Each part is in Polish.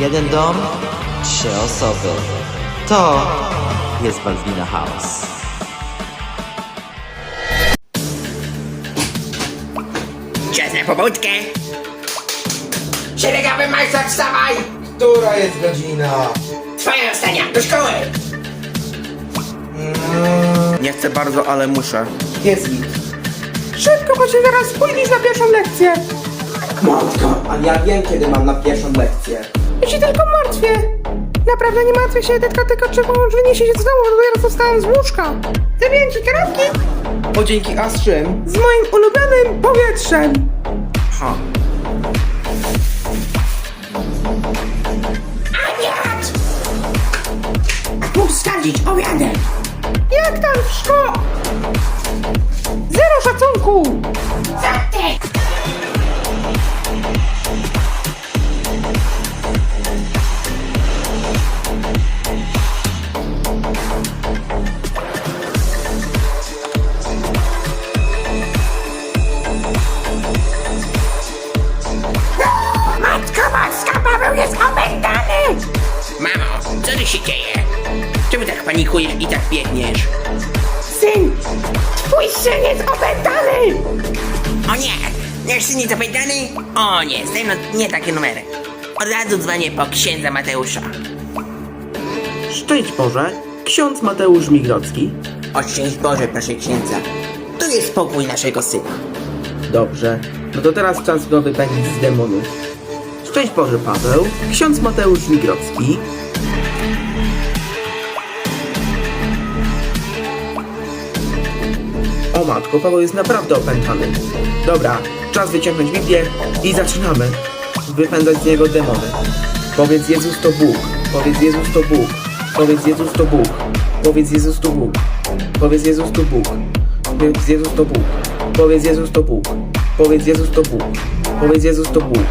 Jeden dom, 3 osoby. To jest Balbina House. Czas na pobudkę. Szeregowy majster, wstawaj! Która jest godzina? Twoja ostatnia, do szkoły! Nie chcę bardzo, ale muszę. Jest git. Szybko, bo się zaraz spóźnisz na pierwszą lekcję. Matko, ale ja wiem, kiedy mam na pierwszą lekcję. Ja się tylko martwię. Naprawdę nie martwię się, tylko czy pomóż wyniesie się z domu, bo dopiero zostałem z łóżka. Zabiję ci kanapki O, dzięki, a z czym? z moim ulubionym powietrzem. Ha. Aniat! Mógł skarżyć obiadek. Jak tam w szkole? Zero szacunku. Zatek! Matko Boska, Paweł jest opętany! Mamo, co tu się dzieje? Czemu tak panikujesz i tak biegniesz? Syn, twój syn jest opętany! O nie, nasz syn jest opętany? O nie, nie takie numery. Od razu dzwonię po księdza Mateusza. Szczęść Boże, ksiądz Mateusz Migrocki. O szczęść Boże, proszę księdza. Tu jest spokój naszego syna. Dobrze, no to teraz czas go wypędzić z demonów. Szczęść Boże Paweł, ksiądz Mateusz Migrocki. O matko, Paweł jest naprawdę opętany. Dobra, czas wyciągnąć Biblię i zaczynamy wypędzać z niego demony. Powiedz Jezus to Bóg, powiedz Jezus to Bóg, powiedz Jezus to Bóg, powiedz Jezus to Bóg, powiedz Jezus to Bóg, powiedz Jezus to Bóg, powiedz Jezus to Bóg, powiedz Jezus to Bóg, powiedz Jezus to Bóg.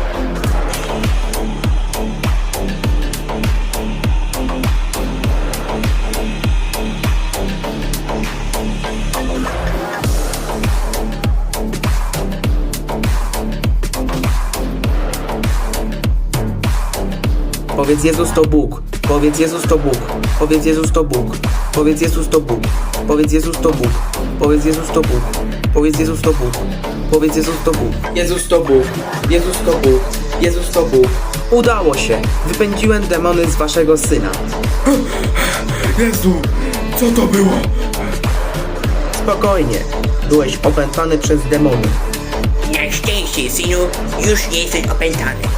Powiedz Jezus to Bóg, powiedz Jezus to Bóg, powiedz Jezus to Bóg, powiedz Jezus to Bóg, powiedz Jezus to Bóg, powiedz Jezus to Bóg, powiedz Jezus to Bóg, powiedz Jezus to Bóg, Jezus to Bóg, Jezus to Bóg, Jezus to Bóg. Udało się, wypędziłem demony z waszego syna. Jezu, co to było? Spokojnie, byłeś opętany przez demony. Na szczęście, synu, już nie jesteś opętany.